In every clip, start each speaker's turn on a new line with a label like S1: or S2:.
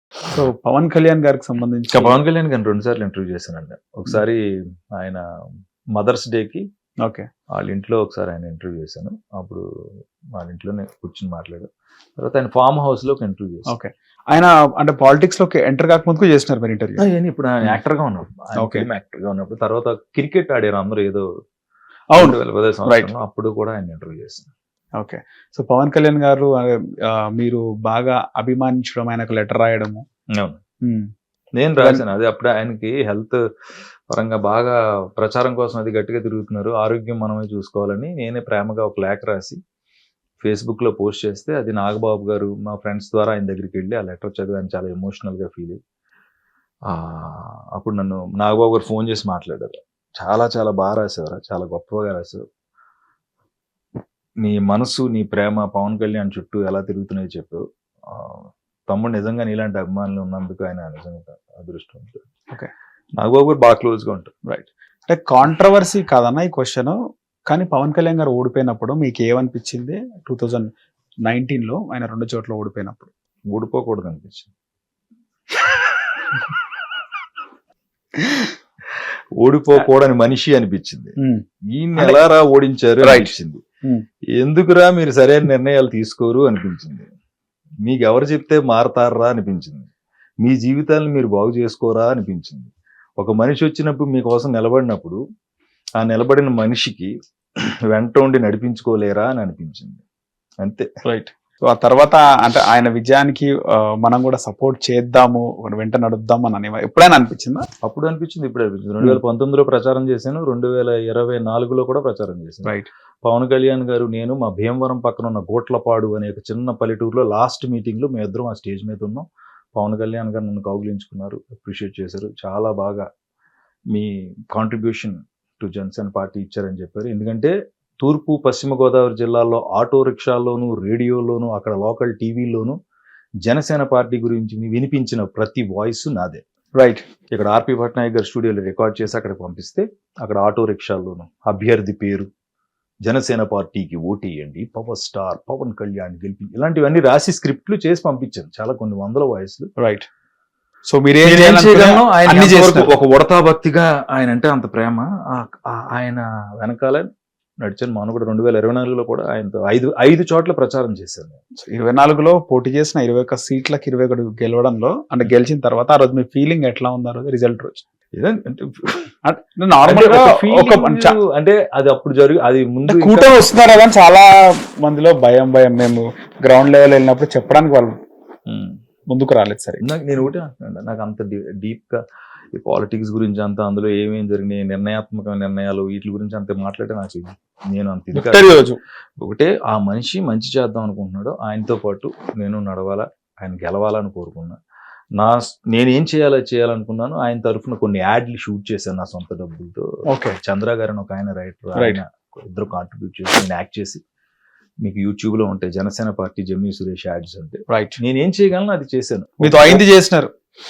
S1: So Pawan Kalyan గారికి సంబంధించి
S2: పవన్ కళ్యాణ్ గారిని 2 సార్లు ఇంటర్వ్యూ చేశానండి. ఒకసారి ఆయన మదర్స్ డేకి
S1: ఓకే
S2: వాళ్ళ ఇంట్లో ఒకసారి ఆయన ఇంటర్వ్యూ చేశాను. అప్పుడు వాళ్ళ ఇంట్లోనే కూర్చుని మాట్లాడారు. తర్వాత ఆయన ఫామ్ హౌస్ లో ఒక ఇంటర్వ్యూ చేశాను.
S1: ఓకే ఆయన అంటే పాలిటిక్స్ లోకి ఎంటర్ కాకముందుకు చేసినారు మీరు ఇంటర్వ్యూ.
S2: అవన్నీ ఇప్పుడు ఆయన యాక్టర్ గా ఉన్నప్పుడు
S1: Okay.
S2: యాక్టర్ గా ఉన్నప్పుడు తర్వాత క్రికెట్ ఆడారు అందరూ ఏదో
S1: అవును
S2: 2010 సంవత్సరంలో. అప్పుడు కూడా ఆయన ఇంటర్వ్యూ చేశాను.
S1: ఓకే సో పవన్ కళ్యాణ్ గారు మీరు బాగా అభిమానించడం, ఆయనకు లెటర్ రాయడము.
S2: అవును నేను రాశాను. అది అప్పుడు ఆయనకి హెల్త్ పరంగా బాగా ప్రచారం కోసం అది గట్టిగా తిరుగుతున్నారు, ఆరోగ్యం మనమే చూసుకోవాలని నేనే ప్రేమగా ఒక లేఖ రాసి ఫేస్బుక్ లో పోస్ట్ చేస్తే అది నాగబాబు గారు మా ఫ్రెండ్స్ ద్వారా ఆయన దగ్గరికి వెళ్ళి ఆ లెటర్ చదివి ఆయన చాలా ఎమోషనల్ గా ఫీల్ అయ్యి అప్పుడు నన్ను నాగబాబు గారు ఫోన్ చేసి మాట్లాడారు. చాలా చాలా బాగా రాసేవారు, చాలా గొప్పగా రాశారు, నీ మనసు నీ ప్రేమ పవన్ కళ్యాణ్ చుట్టూ ఎలా తిరుగుతున్నాయో చెప్పావు, తమ్ముడు నిజంగా నీలాంటి అభిమానులు ఉన్నందుకు ఆయన నిజంగా అదృష్టం.
S1: ఓకే
S2: నాగబాబు గారు బాగా క్లోజ్ గా ఉంటారు.
S1: రైట్ అంటే కాంట్రవర్సీ కాదన్న ఈ క్వశ్చన్, కానీ పవన్ కళ్యాణ్ గారు ఓడిపోయినప్పుడు మీకు ఏమనిపించింది? 2019లో ఆయన 2 చోట్ల ఓడిపోయినప్పుడు.
S2: ఊడిపోకూడదు అనిపించింది. ఓడిపోకూడని మనిషి అనిపించింది. ఈయన్ని ఎలారా ఓడించారు అనిపించింది. ఎందుకురా మీరు సరైన నిర్ణయాలు తీసుకోరు అనిపించింది. మీకు ఎవరు చెప్తే మారతారా అనిపించింది. మీ జీవితాలను మీరు బాగు చేసుకోరా అనిపించింది. ఒక మనిషి వచ్చినప్పుడు మీకోసం నిలబడినప్పుడు ఆ నిలబడిన మనిషికి వెంట ఉండి నడిపించుకోలేరా అని అనిపించింది. అంతే.
S1: రైట్. సో ఆ తర్వాత అంటే ఆయన విజయానికి మనం కూడా సపోర్ట్ చేద్దాము, వెంట నడుద్దాం అని ఎప్పుడైనా అనిపించిందా?
S2: అప్పుడు అనిపించింది, ఇప్పుడు అనిపించింది. 2019లో ప్రచారం చేశాను, 2024లో కూడా ప్రచారం చేశాను.
S1: రైట్.
S2: పవన్ కళ్యాణ్ గారు నేను మా భీమవరం పక్కన ఉన్న గోట్లపాడు అనే ఒక చిన్న పల్లెటూరులో లాస్ట్ మీటింగ్ లో మేము ఇద్దరం ఆ స్టేజ్ మీద ఉన్నాం. పవన్ కళ్యాణ్ గారు నన్ను కౌగిలించుకున్నారు, అప్రిషియేట్ చేశారు, చాలా బాగా మీ కాంట్రిబ్యూషన్ టు జనసేన పార్టీ ఇచ్చారని చెప్పారు. ఎందుకంటే తూర్పు పశ్చిమ గోదావరి జిల్లాల్లో ఆటో రిక్షాల్లోనూ రేడియోలోనూ అక్కడ లోకల్ టీవీల్లోనూ జనసేన పార్టీ గురించి వినిపించిన ప్రతి వాయిస్ నాదే.
S1: రైట్.
S2: ఇక్కడ ఆర్పి పట్నాయక్ గారు స్టూడియోలో రికార్డ్ చేసి అక్కడ పంపిస్తే అక్కడ ఆటో రిక్షాల్లోనూ అభ్యర్థి పేరు, జనసేన పార్టీకి ఓటేయండి, పవర్ స్టార్ పవన్ కళ్యాణ్ గెలిపి, ఇలాంటివన్నీ రాసి స్క్రిప్ట్లు చేసి పంపించాను, చాలా కొన్ని వందల వాయిస్లు.
S1: రైట్. సో మీరు
S2: ఒక ఉడతా భక్తిగా ఆయన అంటే అంత ప్రేమ, ఆయన వెనకాల నడిచాను. మనం కూడా 2024లో కూడా ఆయనతో 5 చోట్ల ప్రచారం చేశాను.
S1: 24లో పోటీ చేసిన 21 సీట్లకు 21 గెలవడంలో అంటే గెలిచిన తర్వాత ఆ రోజు మీ ఫీలింగ్ ఎట్లా ఉంది? ఆ రోజు రిజల్ట్ రోజు
S2: అంటే అది అప్పుడు అది ముందు
S1: కూటమి వస్తున్నారు కదా చాలా మందిలో భయం. మేము గ్రౌండ్ లెవెల్ వెళ్ళినప్పుడు చెప్పడానికి వాళ్ళు ముందుకు రాలేదు. సరే
S2: నేను ఒకటే అంటున్నాను, నాకు అంత డీప్ గా ఈ పాలిటిక్స్ గురించి అంతా, అందులో ఏమేమి జరిగినాయి, నిర్ణయాత్మక నిర్ణయాలు, వీటి గురించి అంత మాట్లాడే నాకు నేను అంత ఒకటే, ఆ మనిషి మంచి చేద్దాం అనుకుంటున్నాడు, ఆయనతో పాటు నేను నడవాలా, ఆయన గెలవాలని కోరుకున్నా. నేనేం చేయాలనుకున్నాను, ఆయన తరఫున కొన్ని యాడ్లు షూట్ చేశాను నా సొంత డబ్బులతో.
S1: ఓకే.
S2: చంద్ర గారు అని ఒక ఆయన రైటర్, ఆయన ఇద్దరు కాంట్రిబ్యూట్ చేసి నేను యాక్ట్ చేసి, మీకు యూట్యూబ్ లో ఉంటాయి జనసేన పార్టీ జమ్మి సురేష్ యాడ్స్ అంటే.
S1: రైట్.
S2: నేనేం చేయగలను అది చేశాను.
S1: మీతో అయింది చేసినారు.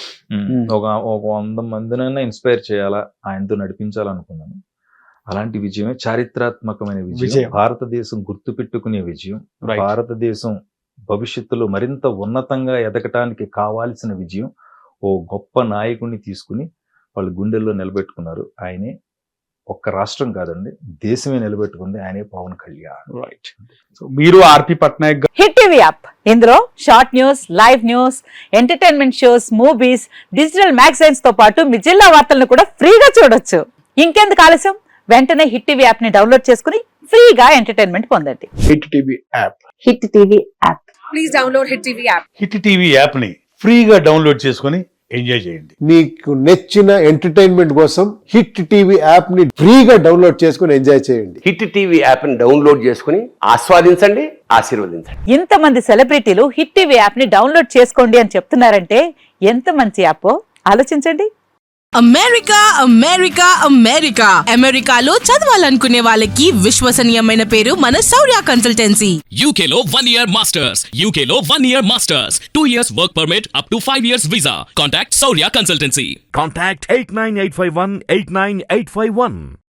S2: ఒక 100 మందినైనా ఇన్స్పైర్ చేయాలా, ఆయనతో నడిపించాలనుకున్నాను. అలాంటి విజయమే చారిత్రాత్మకమైన విజయం, భారతదేశం గుర్తుపెట్టుకునే విజయం, భారతదేశం భవిష్యత్తులో మరింత ఉన్నతంగా ఎదగటానికి కావాల్సిన విజయం. ఓ గొప్ప నాయకుడిని తీసుకుని వాళ్ళు గుండెల్లో నిలబెట్టుకున్నారు. ఆయనే ఒక్క రాష్ట్రం కాదండి, దేశమే నిలబెట్టుకుంది, ఆయనే పవన్ కళ్యాణ్.
S1: రైట్. సో మీరు R P Patnaik
S3: hit TV app, ఇందులో short news, live news, entertainment shows, movies, digital magazines తో పాటు మీ జిల్లా వార్తలను కూడా ఫ్రీగా చూడొచ్చు. ఇంకెందుకు ఆలస్యం, వెంటనే హిట్ టీవీ యాప్ ని డౌన్లోడ్ చేసుకుని ఫ్రీగా ఎంటర్టైన్మెంట్ పొందండి.
S1: Hit TV app.
S3: Hit TV app.
S4: Please download hit TV app.
S5: Hit TV app ని ఫ్రీగా డౌన్లోడ్ చేసుకుని ఎంజాయ్ చేయండి.
S6: మీకు నచ్చిన ఎంటర్టైన్మెంట్ కోసం హిట్ టీవీ యాప్ ని ఫ్రీగా డౌన్లోడ్ చేసుకుని ఎంజాయ్ చేయండి.
S7: హిట్ టీవీ యాప్ ని డౌన్లోడ్ చేసుకుని ఆస్వాదించండి, ఆశీర్వదించండి.
S3: ఇంతమంది సెలబ్రిటీలు హిట్ టీవీ యాప్ ని డౌన్లోడ్ చేసుకోండి అని చెప్తున్నారంటే ఎంత మంచి యాప్ ఆలోచించండి.
S4: అమెరికా అమెరికా అమెరికా అమెరికాలో చదవాలనుకునే వాళ్ళకి విశ్వసనీయమైన పేరు మన శౌర్య కన్సల్టెన్సీ.
S8: UK లో 1 year masters, UK లో 1 year masters, 2 years work permit up to 5 years visa. Contact Shaurya Consultancy.
S9: Contact 89851 89851.